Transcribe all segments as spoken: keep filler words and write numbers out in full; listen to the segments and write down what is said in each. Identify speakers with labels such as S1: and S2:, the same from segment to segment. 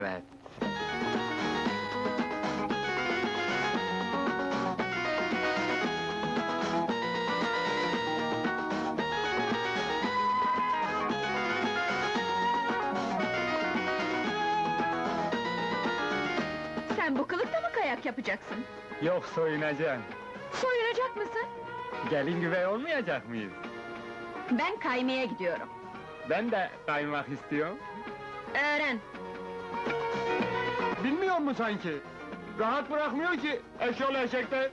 S1: Evet.
S2: Sen bu kılıkta mı kayak yapacaksın?
S1: Yok, soyunacağım.
S2: Soyunacak mısın?
S1: Gelin güvey olmayacak mıyız?
S2: Ben kaymaya gidiyorum.
S1: Ben de kaymak istiyorum.
S2: Öğren.
S1: Bilmiyor mu sanki? Rahat bırakmıyor ki eşyol eşekler.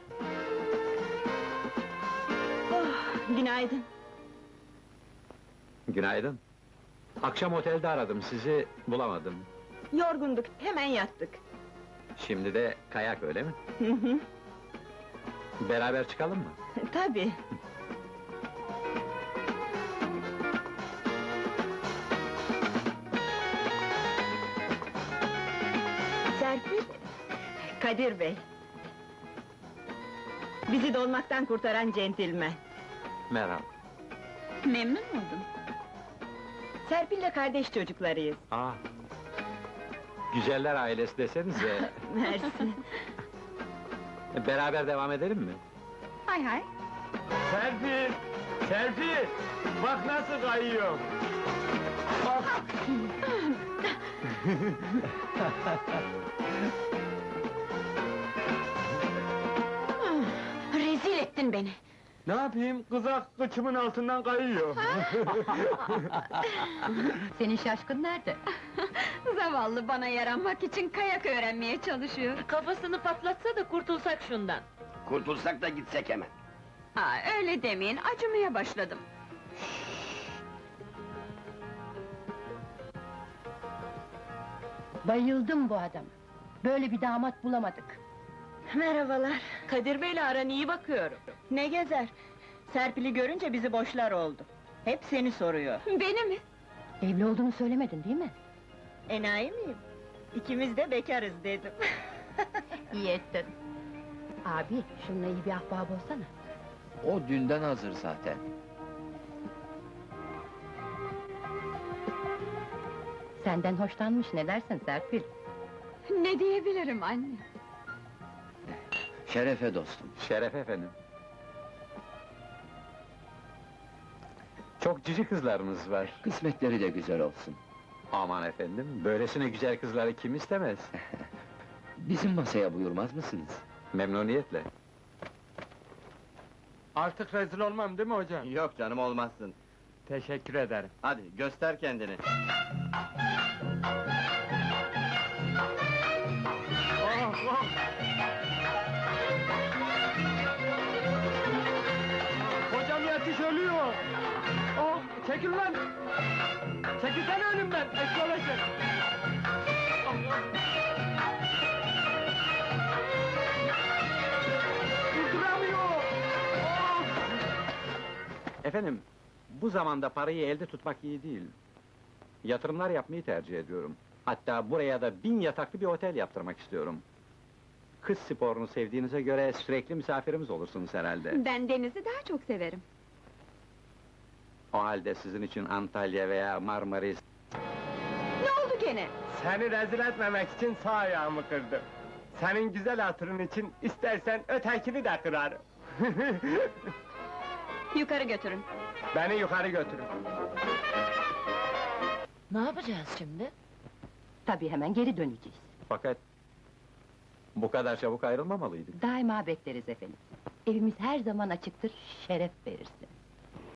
S2: Oh, günaydın.
S3: Günaydın. Akşam otelde aradım sizi, bulamadım.
S2: Yorgunduk, hemen yattık.
S3: Şimdi de kayak öyle mi?
S2: Hı hı,
S3: Beraber çıkalım mı?
S2: tabii. Serpil, Kadir Bey. Bizi dolmaktan kurtaran centilmen.
S3: Merhaba.
S2: Memnun oldum. Serpil'le kardeş çocuklarıyız.
S3: Aa. Güzeller ailesi desenize.
S2: Mersi.
S3: Beraber devam edelim mi?
S2: Hay hay.
S1: Serpil! Serpil! Bak nasıl kayıyor! Bak!
S2: Rezil ettin beni.
S1: Ne yapayım? Kızak kıçımın altından kayıyor.
S2: Senin şaşkın nerede? Zavallı, bana yaranmak için kayak öğrenmeye çalışıyor.
S4: Kafasını patlatsa da kurtulsak şundan.
S5: Kurtulsak da gitsek hemen.
S2: Ha, öyle demeyin, acımaya başladım.
S6: Bayıldım bu adama. Böyle bir damat bulamadık.
S2: Merhabalar.
S4: Kadir Bey'le aran iyi bakıyorum.
S2: Ne gezer? Serpil'i görünce bizi boşlar oldu. Hep seni soruyor. Beni mi?
S6: Evli olduğunu söylemedin değil mi?
S2: Enayi miyim? İkimiz de bekarız dedim.
S6: İyi ettin. Abi, şununla iyi bir ahbap olsana.
S5: O dünden hazır zaten.
S6: Senden hoşlanmış, ne dersin Serpil?
S2: Ne diyebilirim anne?
S5: Şerefe dostum.
S3: Şeref efendim. Çok cici kızlarınız var.
S5: Kısmetleri de güzel olsun.
S3: Aman efendim, böylesine güzel kızları kim istemez?
S5: Bizim masaya buyurmaz mısınız?
S3: Memnuniyetle.
S1: Artık rezil olmam değil mi hocam?
S7: Yok canım, olmazsın.
S1: Teşekkür ederim.
S7: Hadi göster kendini.
S1: Oh, oh! Hocam yetiş, ölüyor! Oh, çekil lan! Çekilsene önümden, eşyol eşek! Durduramıyor! Oh!
S3: Efendim, bu zamanda parayı elde tutmak iyi değil. Yatırımlar yapmayı tercih ediyorum. Hatta buraya da bin yataklı bir otel yaptırmak istiyorum. Kız sporunu sevdiğinize göre sürekli misafirimiz olursunuz herhalde.
S2: Ben denizi daha çok severim.
S3: O halde sizin için Antalya veya Marmaris...
S2: Ne oldu gene?
S1: Seni rezil etmemek için sağ ayağımı kırdım. Senin güzel hatırın için istersen ötekini de kırarım.
S2: Yukarı götürün.
S1: Beni yukarı götürün.
S4: Ne yapacağız şimdi?
S6: Tabii hemen geri döneceğiz.
S3: Fakat... bu kadar çabuk ayrılmamalıydık.
S6: Daima bekleriz efendim. Evimiz her zaman açıktır, şeref verirsin.